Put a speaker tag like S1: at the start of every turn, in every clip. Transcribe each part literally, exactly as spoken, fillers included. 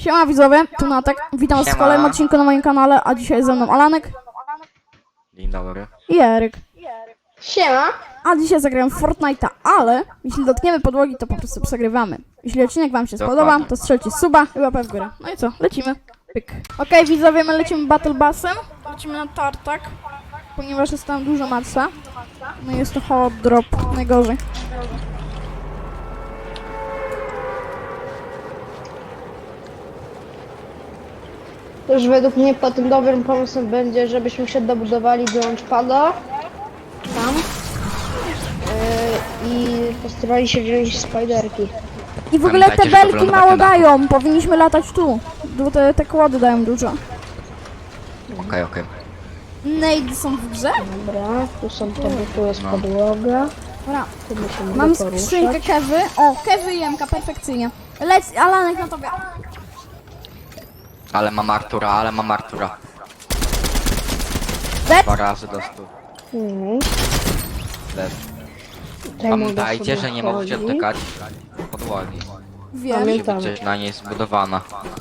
S1: Siema widzowie, tu Natek. Witam was w
S2: Siema.
S1: kolejnym odcinku na moim kanale, a dzisiaj ze mną Alanek
S2: Dzień dobry.
S1: i Eryk.
S3: Siema!
S1: A dzisiaj zagrałem w Fortnite'a, ale jeśli dotkniemy podłogi, to po prostu przegrywamy. Jeśli odcinek wam się
S2: Dokładnie.
S1: spodoba, to strzelcie suba i łapę w górę. No i co, lecimy. Pyk. Okej widzowie, my lecimy Battle Bassem. Lecimy na tartak, ponieważ jest tam dużo matsa. No i jest to hot drop, najgorzej.
S3: Już według mnie po tym dobrym pomysłem będzie, żebyśmy się dobudowali do launchpada tam yy, i postarali się wziąć spiderki.
S1: I w ogóle te
S2: Pamiętajcie, żeby
S1: belki
S2: wylądować
S1: mało
S2: na dachu.
S1: dają, powinniśmy latać tu. Bo te, te kłody dają dużo.
S2: Okej, okay, okej.
S1: Nade są w grze?
S3: Dobra, tu są to, tu jest
S2: No.
S3: podłoga.
S1: Dobra.
S3: Tu musimy
S1: Mam
S3: poruszać.
S1: skrzynkę kewy. O, kewy i jemka, perfekcyjnie. Lec, Alanek na tobie.
S2: Ale mam Artura, ale mam Artura.
S1: Dead?
S2: Dwa razy do stu.
S3: Mhm.
S2: Dead.
S3: Tutaj mogę
S2: Pamiętajcie,
S3: sobie
S2: że nie możecie
S3: chodzić.
S2: dotykać podłogi.
S1: Wiem.
S3: Pamiętam.
S2: Musi być coś na niej zbudowana.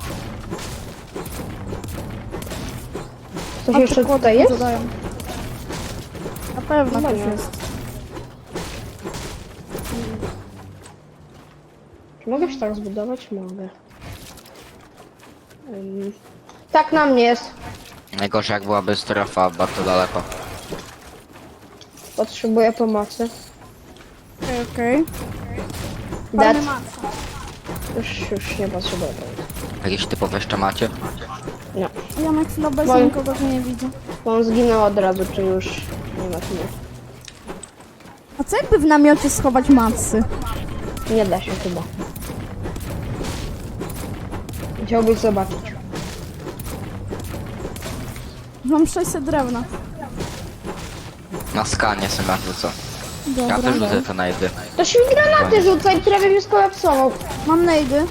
S3: Coś
S1: A te
S3: jeszcze
S1: kłody
S3: tutaj jest?
S1: dużo dają. Na pewno
S3: Chyba
S1: też
S3: nie.
S1: jest.
S3: Czy mogę się tak zbudować? Mogę. Ym, Tak na mnie jest.
S2: Najgorzej jak byłaby strefa bardzo daleko.
S3: Potrzebuję pomocy.
S1: Okej, okej.
S3: Dead.
S1: Fajny matca.
S3: Już, już nie potrzebuję pomocy.
S2: Jakieś typowe jeszcze macie?
S3: Nie.
S1: Ja na chwilę obecnie
S3: Moim-
S1: nikogo tu nie widzę.
S3: Bo on zginął od razu, czy już nie ma tu
S1: A co jakby w namiocie schować matsy?
S3: nie. Nie da się chyba. Chciałbyś zobaczyć.
S1: Mam sześćset drewna.
S2: Na skanie sobie ja rzucę. Ja
S1: Dobra.
S2: też rzucę te najdy.
S3: To się mi granaty rzucaj, prawie mnie skolapsował.
S1: Mam nejdy.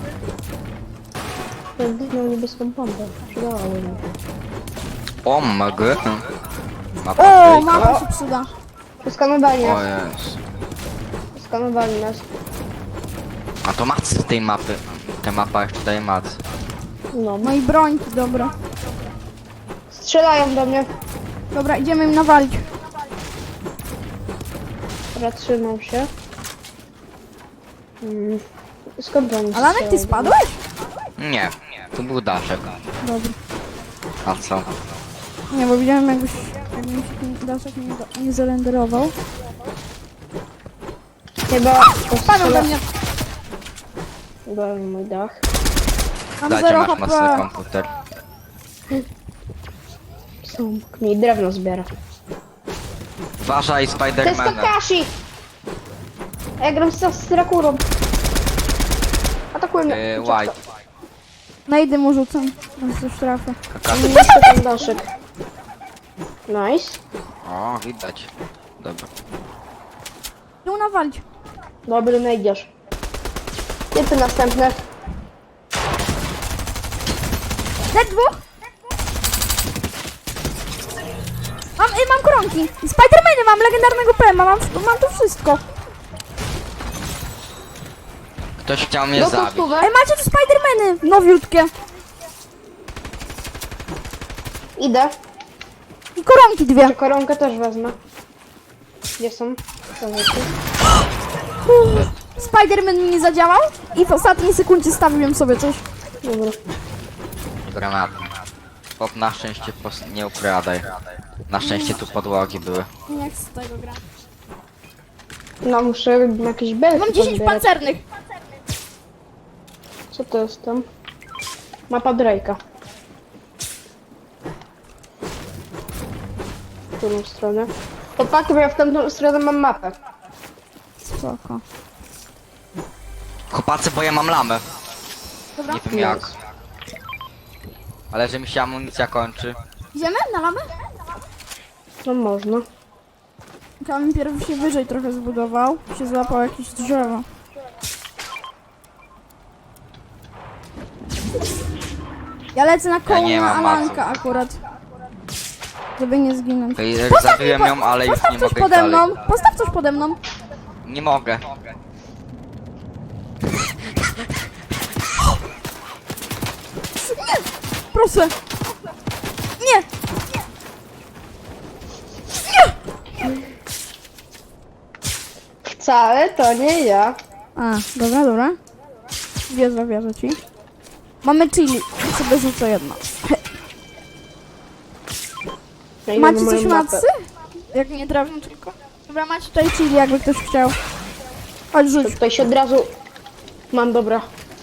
S3: Miał niebieską pompę. Przydałaby mi.
S2: O mg. Mapa
S1: O,
S2: trójka.
S1: mapa się przyda.
S3: Skanowali
S2: O
S3: nas.
S2: jest.
S3: Skanowali nas.
S2: A to macy z tej mapy. Ta mapa jeszcze daje macy.
S3: No.
S1: No i brońki, dobra.
S3: Strzelają do mnie.
S1: Dobra, idziemy im nawalić.
S3: Dobra, trzymał się. Hmm. Skąd oni
S1: Alanek, ty
S3: strzelają?
S1: spadłeś?
S2: Nie, tu był daszek.
S1: Dobra.
S2: A co?
S1: Nie, bo widziałem jakbyś, jakby mi się ten daszek nie, do- nie zarenderował.
S3: Chyba
S1: Panią
S3: postrzela...
S1: do mnie.
S3: Byłem mój dach.
S1: Mam
S2: Dajcie
S1: zero
S2: masz mocny
S1: H P.
S2: komputer.
S3: Są mi drewno zbiera.
S2: Uważaj
S3: To jest
S2: Spidermana.
S3: Kakashi! Ja gram z z Drakurą. Atakuj mnie.
S2: Yy,
S3: Uciekł.
S2: White.
S1: Nejdy mu rzucam. Teraz coś trafię.
S2: Kakashi.
S3: Niszczę ten daszek. Nice.
S2: O, widać. Dobra.
S1: Nie nawalić.
S3: Dobry, no idziesz. Typy następne.
S1: Dead dwóch. Mam, y, mam koronki. Spidermany mam, legendarnego P M, mam, mam tu wszystko.
S2: Ktoś chciał mnie
S3: Do
S2: zabić.
S3: kostówek.
S1: Ej, macie tu Spidermany, nowiutkie.
S3: Idę.
S1: I koronki dwie.
S3: Czy koronkę też wezmę. Gdzie są? Są rzeczy.
S1: Uff, Spiderman mi nie zadziałał i w ostatniej sekundzie stawiłem sobie coś.
S3: Dobra.
S2: Granat. Pop na szczęście pos- nie ukradaj. Na szczęście tu podłogi były.
S1: Nie chcę tego grać.
S3: No muszę jakieś belki
S1: Mam dziesięć
S3: pozbierać.
S1: pancernych.
S3: Co to jest tam? Mapa Drake'a. W którą stronę? Chłopaki, bo ja w tamtą stronę mam mapę.
S1: Spoko.
S2: Chłopacy, bo ja mam lamę.
S1: Dobra,
S2: Nie wiem jak. Ale że mi się amunicja kończy.
S1: idziemy na lamę?
S3: No można.
S1: Kamil pierw się wyżej trochę zbudował. Się złapał jakieś drzewo. Ja lecę na koło
S2: nie
S1: na
S2: mam
S1: Alanka
S2: maców.
S1: akurat. Żeby nie zginąć.
S2: Ej,
S1: Postaw mi
S2: zabiłem
S1: po-
S2: ją, ale już
S1: Postaw
S2: nie
S1: coś
S2: mogę
S1: pode
S2: dalej.
S1: mną. Postaw coś pode mną.
S2: Nie mogę.
S1: proszę. Nie!
S3: Wcale to nie ja.
S1: A, dobra, dobra. Wierzę, wierzę ci. Mamy chili. I sobie rzucę jedno.
S3: Ja idę
S1: Macie
S3: na
S1: coś
S3: moją mapę.
S1: macy? Jak nie drewno tylko. Dobra, macie tutaj chili, jakby ktoś chciał. Chodź, rzuć.
S3: Tutaj się od razu... Mam, dobra.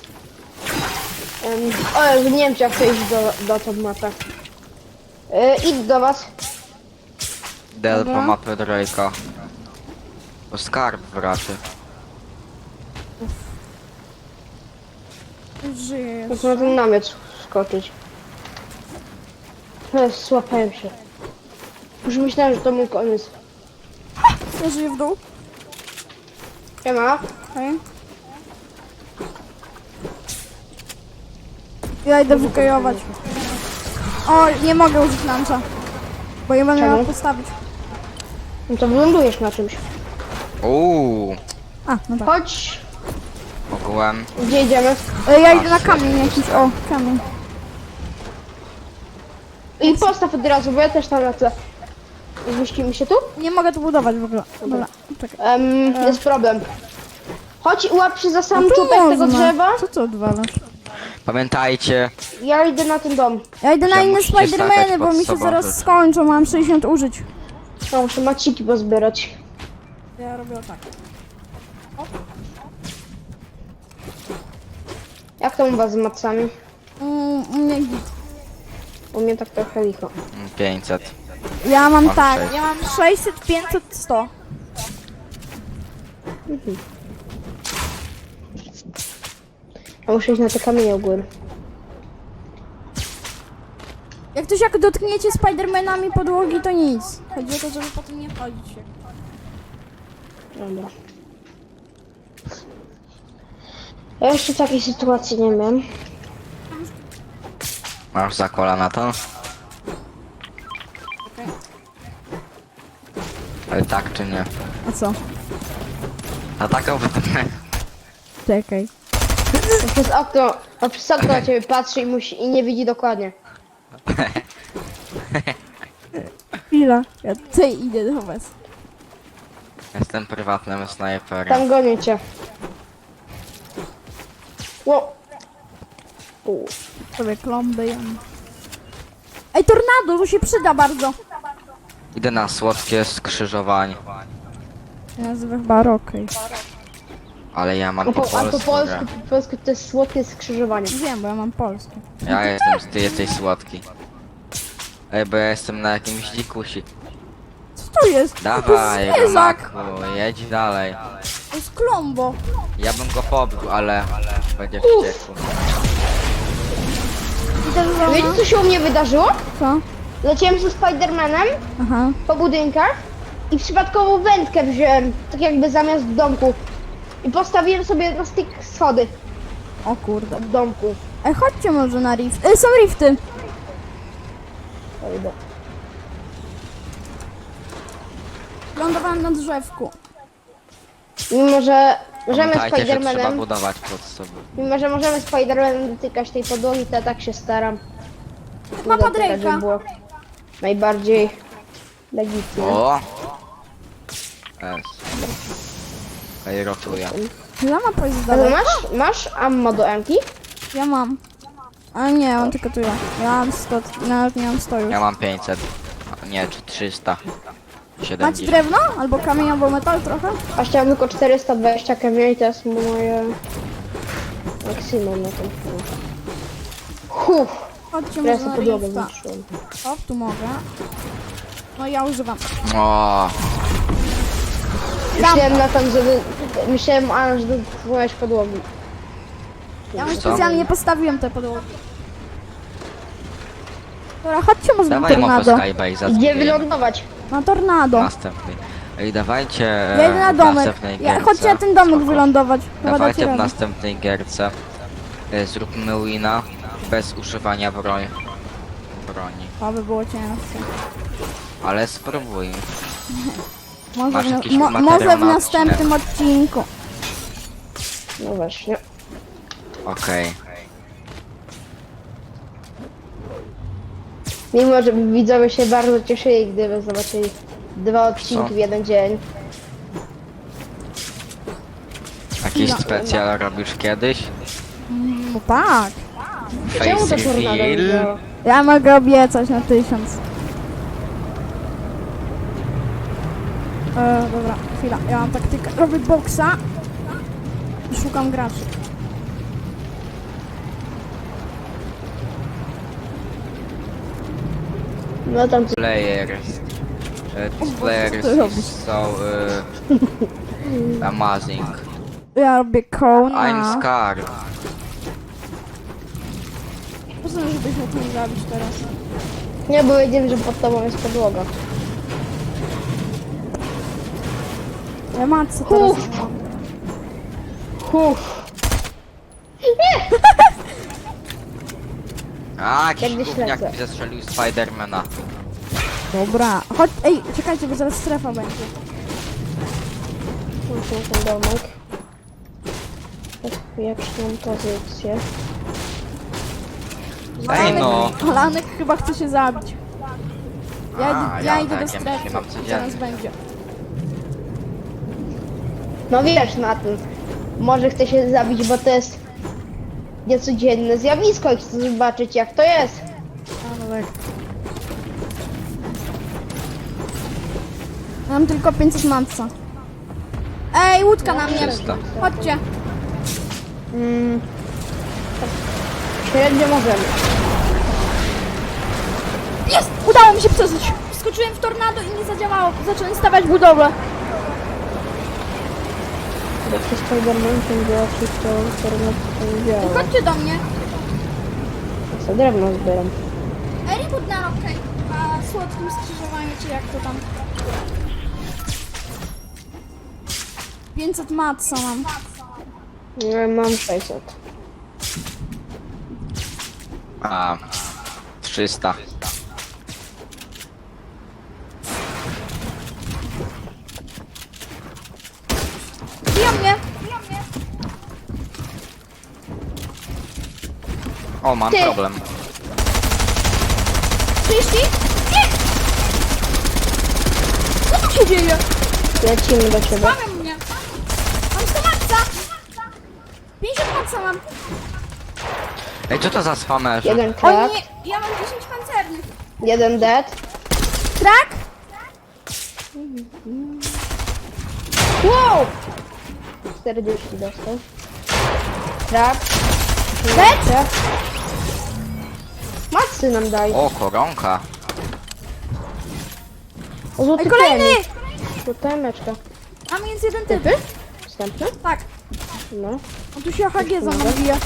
S3: Um, o, Jezu, nie wiem, czy ja chcę iść do, do tą mapę. Yy, idź do was.
S2: Del po
S1: Dobra.
S2: mapę Drake'a. O skarb raczej.
S1: Już żyję
S3: Muszę
S1: jeszcze.
S3: na ten namiot skoczyć. Ech, Złapałem się. Już myślałem, że to mój koniec.
S1: Ja żyję w dół.
S3: Siema.
S1: Okej. Ja idę wykajować. O, nie mogę użyć lanca. Bo nie będę
S3: Czemu?
S1: miała postawić.
S3: No to wylądujesz na czymś.
S2: Uuu,
S1: A, no tak.
S3: Chodź.
S2: ogółem.
S3: Gdzie idziemy?
S1: E, Ja idę na kamień jakiś. O, kamień.
S3: I postaw od razu, bo ja też tam lecę. Zmieścimy się tu?
S1: Nie mogę tu budować w ogóle. Dobra, czekaj.
S3: Um, jest problem. Chodź i łap się za sam
S1: No tu
S3: czubek tego
S1: można.
S3: drzewa.
S1: Co ty odwalasz?
S2: Pamiętajcie,
S3: Ja idę na ten dom.
S1: Ja idę na
S2: Że
S1: inne
S2: musicie
S1: Spidermany,
S2: stawiać
S1: bo
S2: pod
S1: mi się
S2: sobą
S1: zaraz
S2: rzeczy.
S1: skończą. Mam sześćdziesiąt użyć.
S3: No, muszę maciki pozbierać.
S1: Ja robię tak.
S3: Jak to u was z macami?
S1: Mm, nie, git.
S3: U mnie tak trochę licho.
S2: pięćset.
S1: Ja mam
S2: Mam
S1: tak,
S2: sześć.
S1: ja mam sześćset, pięćset, sto.
S3: A muszę iść na te kamienie u góry.
S1: Jak ktoś jak dotkniecie Spidermanami podłogi, to nic. Chodzi o to, żeby potem nie chodzić.
S3: Dobra. Ja jeszcze takiej sytuacji nie miałem.
S2: Masz za kolana to?
S1: Okej.
S2: Ale tak czy nie?
S1: A co?
S2: A taką wytnę.
S1: Czekaj.
S3: A przez okno, a przez okno na ciebie patrzy i, musi, i nie widzi dokładnie.
S1: Chwila. Ja tutaj idę do was.
S2: Jestem prywatnym snajperem.
S3: Tam gonię cię. Ło. U.
S1: Sobie klomby jem. Ej, tornado, to się przyda bardzo.
S2: Idę na słodkie skrzyżowanie.
S1: Ja nazywam chyba Rockej.
S2: Ale ja mam
S3: A
S2: po
S3: po, a po
S2: polsku.
S3: polsku,
S2: grę.
S3: po polsku to jest słodkie skrzyżowanie.
S1: Wiem, bo ja mam polskie.
S2: Ja jestem, ty jesteś słodki. Ej, bo ja jestem na jakimś dzikusi.
S1: Co to jest?
S2: Dawaj,
S1: to jest zwierzak.
S2: Romaku, jedź dalej.
S1: To jest klombo.
S2: Ja bym go pobił, ale będzie wściekł.
S1: Idę do
S3: Wiecie
S1: domu.
S3: co się u mnie wydarzyło?
S1: Co?
S3: Leciałem ze Spidermanem
S1: Aha.
S3: po budynkach i przypadkowo wędkę wziąłem, tak jakby zamiast domku. I postawiłem sobie na styk schody
S1: O kurde.
S3: w domku.
S1: Ej, chodźcie może na rift. Ej, są rifty.
S3: To idę.
S1: Lądowałem na drzewku.
S3: Mimo, że możemy
S2: Pamiętajcie, że trzeba
S3: Spidermanem,
S2: budować pod sobą.
S3: mimo, że możemy Spidermanem dotykać tej podłogi, to ja tak się staram.
S1: Mapa
S3: dotykać, żeby
S1: Drake'a.
S3: było najbardziej legitnie.
S2: O! Es. Ej, rotuję.
S1: Za mapa jest
S3: Ale
S1: dalej.
S3: masz, masz ammo do Emki?
S1: Ja mam. A nie, on tylko tu ja. Ja mam sto, nawet nie mam sto już.
S2: Ja mam pięćset. A nie, czy trzysta.
S1: Macie
S2: siedemdziesiąt.
S1: drewno? Albo kamień, albo metal trochę?
S3: A chciałem tylko czterysta dwadzieścia kamieni i to jest moje maksimum na tym chwilę. Huh,
S1: Chodźcie
S3: teraz
S1: może
S3: na
S1: na
S3: podłogę
S1: rifta.
S3: zniszczyłem.
S1: O, tu mogę. No ja używam.
S2: O!
S3: Myślałem na tym, że... Myślałem, Alan, że dotknąłeś podłogi.
S1: Ja
S2: Co?
S1: specjalnie postawiłem te podłogi. Dobra, chodźcie może na
S2: Dawaj mapę
S1: tornado.
S2: Skybase.
S3: Gdzie wylądować?
S1: Na tornado.
S2: Następnej. Ej, dawajcie
S1: Ja idę na
S2: w
S1: domek.
S2: następnej
S1: Ja,
S2: gierce.
S1: chodźcie na ten domek
S2: Spoko.
S1: wylądować. Chyba dacie
S2: Dawajcie w
S1: radę.
S2: następnej gierce. E, Zróbmy wina bez używania broń. broni.
S1: To by było ciężkie.
S2: Ale spróbuj.
S1: Może,
S2: Masz
S1: w,
S2: jakiś
S1: mo,
S2: materiał
S1: może w
S2: na
S1: następnym odcinku.
S3: No właśnie.
S2: Okej.
S3: Mimo, że widzowie się bardzo cieszyli, gdyby zobaczyli dwa odcinki
S2: Co?
S3: w jeden dzień.
S2: Jakiś
S1: No.
S2: specjal robisz kiedyś?
S1: No tak.
S3: Czemu to
S2: Face
S3: tornado nie
S2: reveal?
S3: działa?
S1: Ja mogę obiecać na tysiąc. E, dobra, chwila. Ja mam taktykę. Robię boksa. I szukam graczy.
S3: No tam co...
S2: Players. Uh, these
S1: co
S2: players
S1: ty robisz?
S2: is so uh, amazing.
S1: Ja robię
S2: I'm
S1: kołna.
S2: scared.
S1: Po co, żebyś mógł mnie zabić teraz?
S3: Nie, bo wiedziałem, że pod tobą jest podłoga.
S1: Ja matce teraz
S3: Uff.
S1: nie mam.
S3: Uff.
S2: A,
S3: Jak
S2: jakiś
S3: wyśledzę.
S2: gówniak mi zestrzelił Spidermana.
S1: Dobra. Chodź, ej, czekajcie, bo zaraz strefa będzie.
S3: Muszę ten domek. Bezpieczną pozycję.
S2: Ej no.
S1: Alanek chyba chce się zabić. Ja,
S2: A,
S1: ja
S2: ja
S1: idę do
S2: takie
S1: strefy.
S2: myśli mam codziennie.
S1: Zaraz będzie.
S3: No wiesz na tym. Może chce się zabić, bo to jest niecodzienne zjawisko i chcę zobaczyć jak to jest.
S1: A, no tak. Mam tylko pięćset manca. Ej, łódka na mnie.
S2: trzysta.
S1: Chodźcie.
S3: Mm. Tak. Średnio możemy.
S1: Jest! Udało mi się przeżyć. Skoczyłem w tornado i nie zadziałało. Zacząłem stawiać budowlę.
S3: Bo przez Spiderman ten gości, to internet to nie działa.
S1: Chodźcie do mnie.
S3: Ja sobie drewno zbieram.
S1: Reboot na okej. A słodkim skrzyżowaniu, czy jak to tam? pięćset matca mam.
S3: Ja mam sześćset.
S2: A, trzysta.
S1: Biją mnie.
S2: O, mam
S3: Ty.
S2: problem.
S1: trzydzieści? Nie! Co tu się dzieje?
S3: Lecimy do ciebie.
S1: Bawią mnie. Mam sto matca. pięćdziesiąt matca mam.
S2: Ej, co to za spamerzy?
S3: Jeden
S1: O
S3: krak,
S1: nie, ja mam dziesięć pancernych.
S3: jeden dead.
S1: Krak?
S3: Wow! czterdzieści dostał. Krak.
S1: Dead?
S3: Macy nam daj.
S2: O, koronka.
S3: O, złoty
S1: Ej, kolejny!
S3: tenis. Złota meczka.
S1: Tam jest jeden typ.
S3: Wstępny?
S1: Tak.
S3: No.
S1: On tu się H G za mną bije.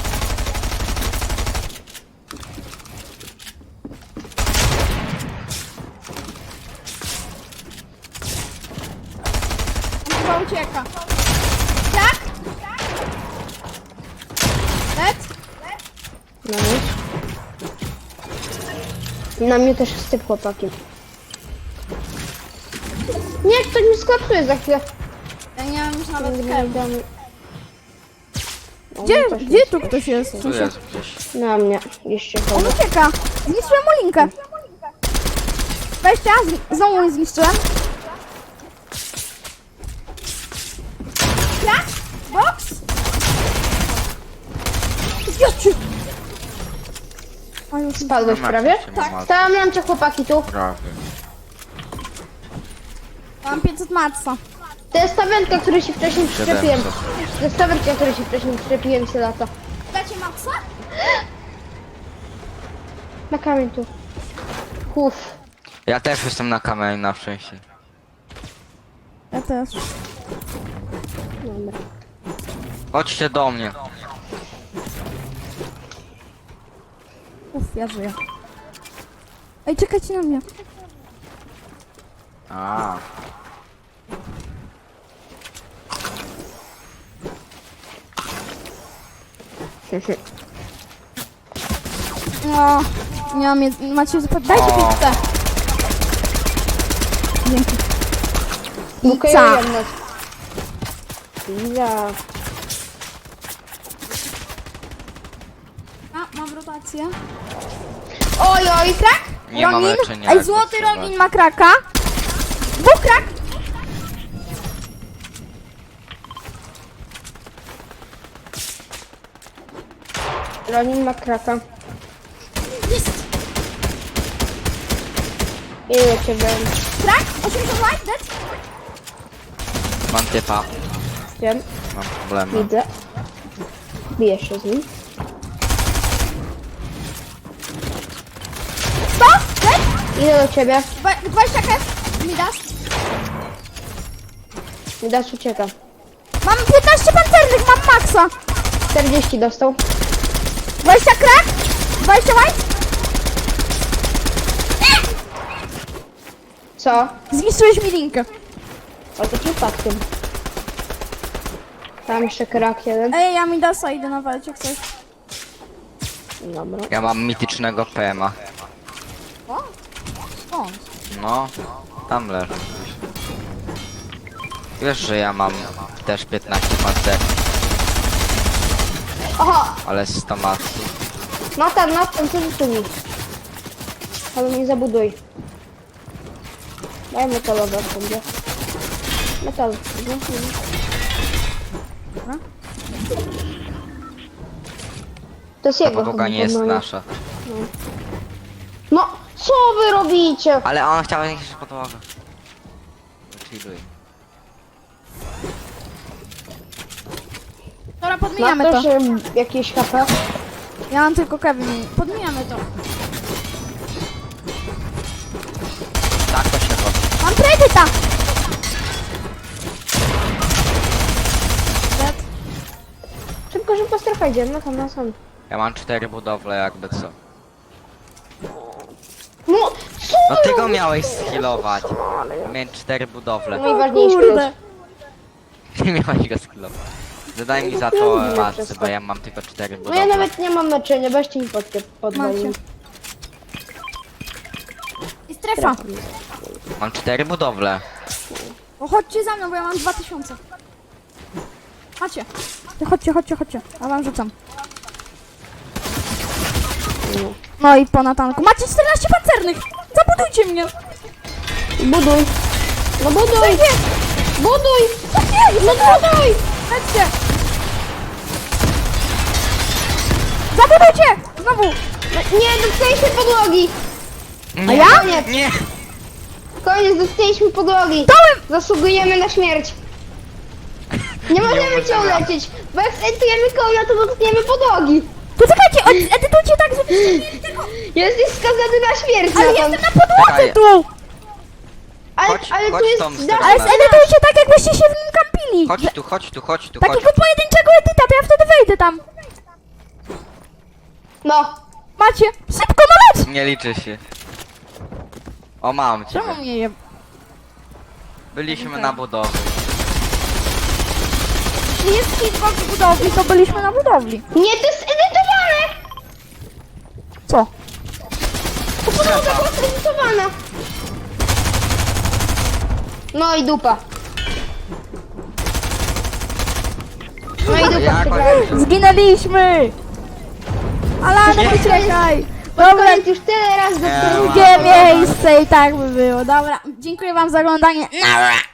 S1: On chyba ucieka. Tak? Dead?
S3: Na mnie. Na mnie też jest typ chłopaki. Nie, ktoś mi sklapsuje za chwilę.
S1: Ja nie mam już nawet
S3: Nie
S1: kew.
S3: dam- O,
S1: Gdzie,
S3: też
S1: gdzie
S3: jest.
S1: tu ktoś jest?
S2: Tu
S1: Słyszę.
S2: jest gdzieś.
S3: Na mnie. Jeszcze
S1: On
S3: chodzi.
S1: ucieka. Zniszczyłem mu linkę. Weźcie, zni- znowu je zniszczyłem. Krak? Box? Zjadźcie. A już
S3: Spadłeś
S2: Mam
S3: prawie?
S2: jakieś
S1: Tak.
S2: maty.
S3: Stałam na cię chłopaki tu.
S2: Prawie.
S1: mam pięćset matca.
S3: To jest ta wędka, której się wcześniej przyczepiłem.
S2: siedemset.
S3: To jest ta wędka, której się wcześniej przyczepiłem się lata.
S1: Dacie matca?
S3: Na kamień tu. Uff.
S2: Ja też jestem na kamerze na szczęście.
S1: Ja też.
S3: Dobra.
S2: Chodźcie do mnie.
S1: Uff, ja żyję. Ej, czekajcie na mnie.
S2: A.
S1: No, nie mam jedz... Macie zupełnie... Dajcie
S2: O.
S1: pizzę. Dzięki.
S3: Okej,
S1: Pizza.
S3: jednak. Pizza.
S1: A, mam rotację.
S3: Oj, oj,
S1: Krak?
S2: Nie mam
S1: Ronin?
S2: leczenia.
S1: Ej,
S2: jak
S1: złoty
S2: potrzeba.
S1: Ronin ma kraka. Dwóch krak.
S3: Ronin ma kraka.
S1: Jest.
S3: Ile ciebie?
S1: Krak? osiemdziesiąt white, dead.
S2: Mam typa.
S3: Wiem,
S2: Mam problemy.
S3: widzę. Bijesz się z nim.
S1: sto, dead.
S3: Idę do ciebie.
S1: Dwa- dwadzieścia kef. Mi dasz?
S3: Mi dasz ucieka.
S1: Mam piętnaście pancernych, mam maksa.
S3: czterdzieści dostał.
S1: dwadzieścia krak. dwadzieścia white.
S3: Co?
S1: Zniszczyłeś mi linkę.
S3: O to przypadkiem. Tam jeszcze krak jeden.
S1: Ej, ja mi dasa idę nawalać jak coś.
S3: Dobra.
S2: Ja mam mitycznego P M a.
S1: O? Skąd?
S2: No, tam leży. Wiesz, że ja mam też piętnaście pancerów,
S3: Aha!
S2: ale z tomatu.
S3: Natan, Natan, co ty tu mi? Ale nie zabuduj. Daj metalowe będzie. Metal. No,
S1: Dobra.
S3: to jest
S2: Ta
S3: jego
S2: podłoga
S3: chyba
S2: nie jest
S3: podnoga.
S2: nasza.
S3: No, co wy robicie?
S2: Ale on chciał jakieś podłogę. Chilluj.
S1: Dobra,
S3: Ma
S1: podmieniamy to.
S3: ktoś em, jakieś H P?
S1: Ja mam tylko Kevin. Podmieniamy to.
S2: Tak to się robi.
S1: Mam predyta! Dead.
S3: Szybko, szybko strefa idzie. No tam, na sam.
S2: Ja mam cztery budowle jakby co.
S3: No, co
S2: No
S3: wy
S2: ty go
S3: robicie?
S2: miałeś skillować. Miałem cztery budowle.
S3: Najważniejszy
S1: Kurde.
S2: Ty miałeś go skillować. Zadaj mi za
S3: Ja
S2: to
S3: lubię
S2: macy,
S3: wszystko.
S2: bo ja mam tylko cztery
S3: No
S2: budowle.
S3: ja nawet nie mam naczynia, weźcie mi pod, podwalić.
S1: Macie. I strefa.
S2: Mam cztery budowle.
S1: O, chodźcie za mną, bo ja mam dwa tysiące. Chodźcie. Ty chodźcie, chodźcie, chodźcie. Ja wam rzucam. No i po natanku. Macie czternaście pancernych! Zabudujcie mnie!
S3: Buduj. No buduj.
S1: Nie!
S3: Buduj.
S1: Nie!
S3: No buduj.
S1: Chodźcie! Zabudujcie! Znowu!
S3: Nie, dotknęliśmy podłogi.
S2: Nie,
S1: ja?
S3: Koniec.
S2: Nie!
S3: Koniec, dotknęliśmy podłogi.
S1: Dołem!
S3: Zasługujemy na śmierć. Nie możemy cię
S2: możemy.
S3: uleczyć, bo jak edytujemy konia, to dotkniemy podłogi.
S1: Poczekajcie, od- edytujcie tak, żebyście mieli tylko...
S3: Jesteś skazany na śmierć.
S1: Ale
S3: Natan.
S1: jestem na podłodze
S2: Czekaj.
S1: tu!
S3: Ale,
S2: Chodź-
S3: ale
S2: chodź
S3: tu jest...
S2: tą
S3: dach-
S2: stronę.
S1: Ale zedytujcie tak, jakbyście się w nim kampili!
S2: Chodź tu, chodź tu, chodź tu, chodź
S1: Takiego
S2: tu.
S1: pojedynczego edyta, to ja wtedy wejdę tam.
S3: No.
S1: Macie, szybko no leć!
S2: Nie liczy się. O, mam cię.
S1: Czemu mnie je...
S2: Byliśmy na budowie.
S1: Jeśli jest hitbox w budowli, to byliśmy na budowli.
S3: Nie, to jest edytowane.
S1: Co?
S3: To podłoga była zedytowana. No i dupa. No i dupa
S2: Jak
S3: przegrałem.
S1: Zginęliśmy! Alanek, uciekaj!
S3: Dobra,
S1: Dobra,
S3: już tyle razy do
S2: Nie,
S1: drugie miejsce i tak by było. Dobra, dziękuję wam za oglądanie. Nara!